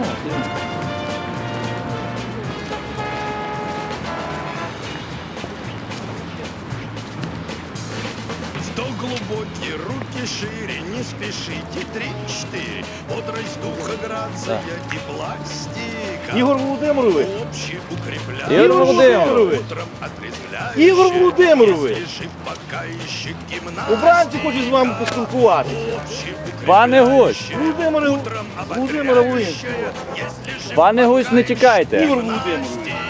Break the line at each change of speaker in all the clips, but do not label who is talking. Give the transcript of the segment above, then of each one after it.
Вдох глубокий, руки шире, не спешите, 3-4. Бодрость духа, грация и пластика.
Ігор Володимирович!
Общеукрепляющая,
Ігор Володимирович!
утром отрезвляющая.
Ігор Володимирович!
Если жив пока еще гимнастика.
Убранці хочуть з вами поспілкуватися.
Пане Гусь!
Володимира Волинського.
Пане Гусь, не тікайте.
Ігор Володимирович!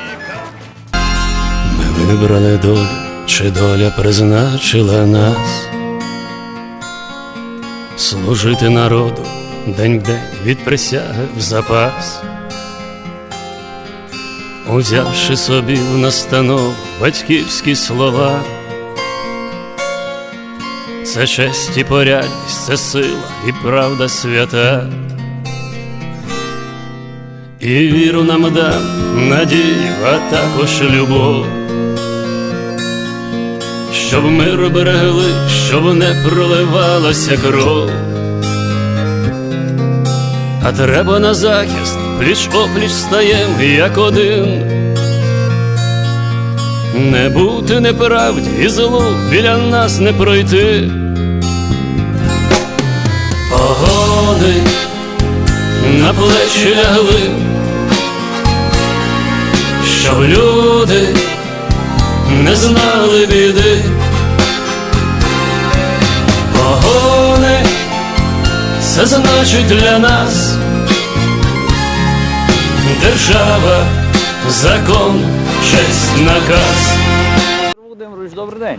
Ми вибрали долю, чи доля призначила нас служити народу день в день від присяги в запас, узявши собі в настанов батьківські слова. Це честь і порядність, це сила і правда свята. І віру нам дам, надію, а також любов, щоб мир берегли, щоб не проливалася кров. А треба на захист, пліч-опліч стаєм, як один. Не бути неправді і злу біля нас не пройти. Погони на плечі лягли, щоб люди не знали біди. Погони – це значить для нас держава, закон, честь, наказ.
Володимирович, добрий день.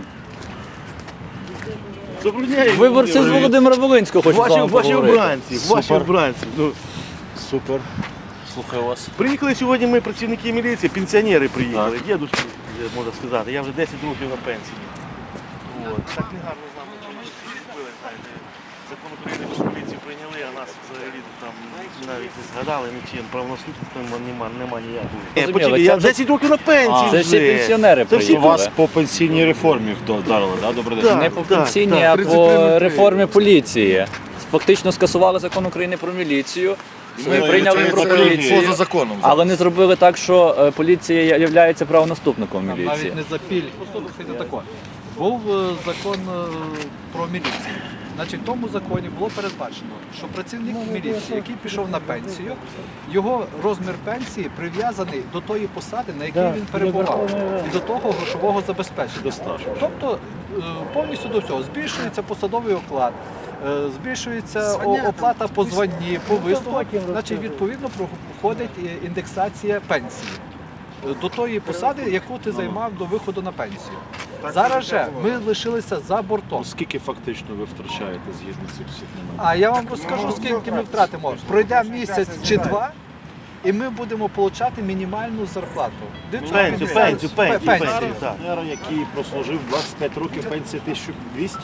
Доброго дня, Ігор
Виборці з
Володимирович.
Володимира Волинського хочуть з вами
Ваші
поговорити.
обранці, ваші обранці. Ну,
Супер. Слухаю вас.
приїхали сьогодні ми, працівники міліції, пенсіонери приїхали, дідушки, можна сказати. Я вже 10 років на пенсії. От. Так не гарно з нами зробили, знаєте. Закон України про поліцію прийняли, а нас взагалі там навіть не згадали нічим. Правонаступництва нема ніякого.
Зрозуміло,
Я
це вже-
10 років на пенсії
Це
вже.
всі пенсіонери
Це всі
У
приїхали.
вас по пенсійній реформі вдарили, так? Добрий день.
Так.
Не по пенсійній, а по реформі поліції. Фактично скасували закон України про міліцію. Ми прийняли про поліцію,
Поза законом.
але не зробили так, що поліція є правонаступником міліції.
Навіть не запіль. Послухайте таке. Був закон про міліцію. Значить, в тому законі було передбачено, що працівник міліції, який пішов на пенсію, його розмір пенсії прив'язаний до тої посади, на якій він перебував, і до того грошового забезпечення. Тобто повністю до всього збільшується посадовий оклад, збільшується оплата по званні, по вислугах, значить відповідно проходить індексація пенсії до тої посади, яку ти займав до виходу на пенсію. Зараз же ми лишилися за бортом.
Скільки фактично ви втрачаєте згідно цих всіх моментів?
А я вам розкажу, скільки ми втратимо. Пройде місяць чи два, і ми будемо отримати мінімальну зарплату.
Пенсію, так.
Пенсіонер, який прослужив 25 років, пенсія 1200?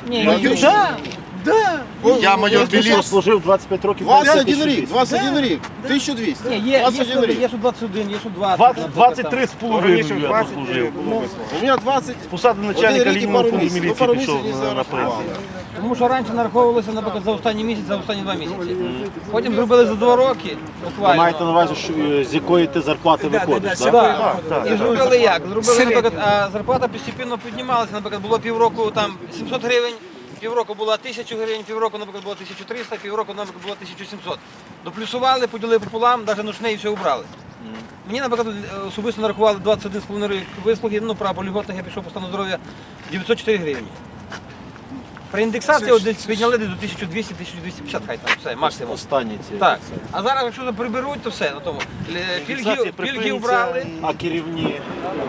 Я майор
Хто прослужив 25 років,
21 рік, 21 рік, 1200.
Є
21 рік.
що 21, є що 20.
23 з половиною я послужив.
У мене 20.
З посади начальника
Один рік і
лінійного
пару
фонду
місяців.
міліції
Пару
пішов
місяців
на
зарахували.
пенсію.
Тому що раніше нараховувалося, наприклад, за останній місяць, за останні 2 місяці. Потім зробили за 2 роки,
Ви
буквально.
маєте на увазі, з якої ти зарплати виходиш, так?
Так. І зробили як? Зробили, наприклад, а зарплата постійно піднімалася, наприклад, було півроку там 700 гривень, півроку була 1000 гривень, півроку, наприклад, було 1300, півроку, наприклад, було 1700. Доплюсували, поділили пополам, навіть ночне і все убрали. Мені, наприклад, особисто нарахували 21,5 рік вислуги, ну, право льготних, я пішов по стану здоров'я 904 гривні. При індексації от десь підняли десь до 1200-1250, хай там, все, максимум.
Останні ці.
Так. А зараз, якщо приберуть, то все на тому. Пільги убрали.
А керівні?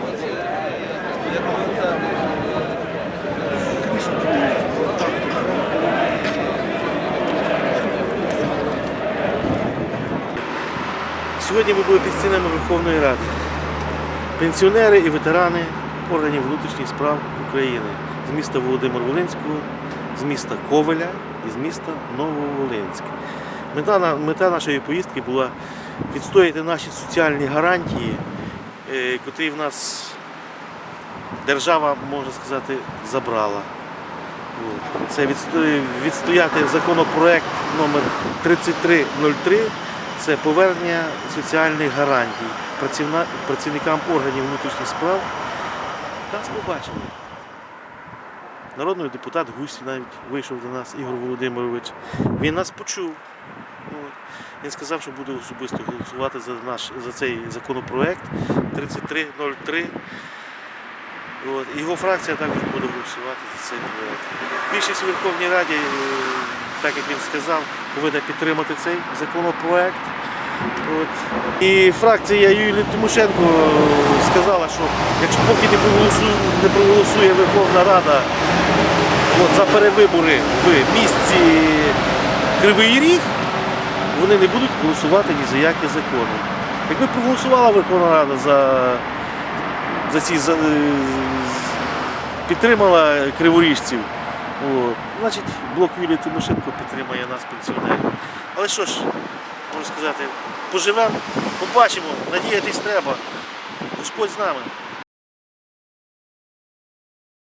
Сьогодні ми були під стінами Верховної Ради. Пенсіонери і ветерани органів внутрішніх справ України з міста Володимир-Волинського, з міста Ковеля і з міста Нововолинськ. Мета нашої поїздки була відстояти наші соціальні гарантії, котрі в нас держава, можна сказати, забрала. Це відстояти законопроект номер 3303. це повернення соціальних гарантій працівникам органів внутрішніх справ. Нас побачили. Народний депутат Гусь навіть вийшов до нас, Ігор Володимирович. Він нас почув. От. Він сказав, що буде особисто голосувати за цей законопроект 3303. От. Його фракція також буде голосувати за цей проект. Більшість у Верховній Раді, так як він сказав, повинна підтримати цей законопроект. От. І фракція Юлії Тимошенко сказала, що якщо поки не проголосує Верховна Рада за перевибори в місті Кривий Ріг, вони не будуть голосувати ні за які закони. Якби проголосувала Верховна Рада підтримала криворіжців, значить блок Юлії Тимошенко підтримає нас, пенсіонерів. Але що ж, можна сказати, поживемо, побачимо, надіятись треба. Господь з нами.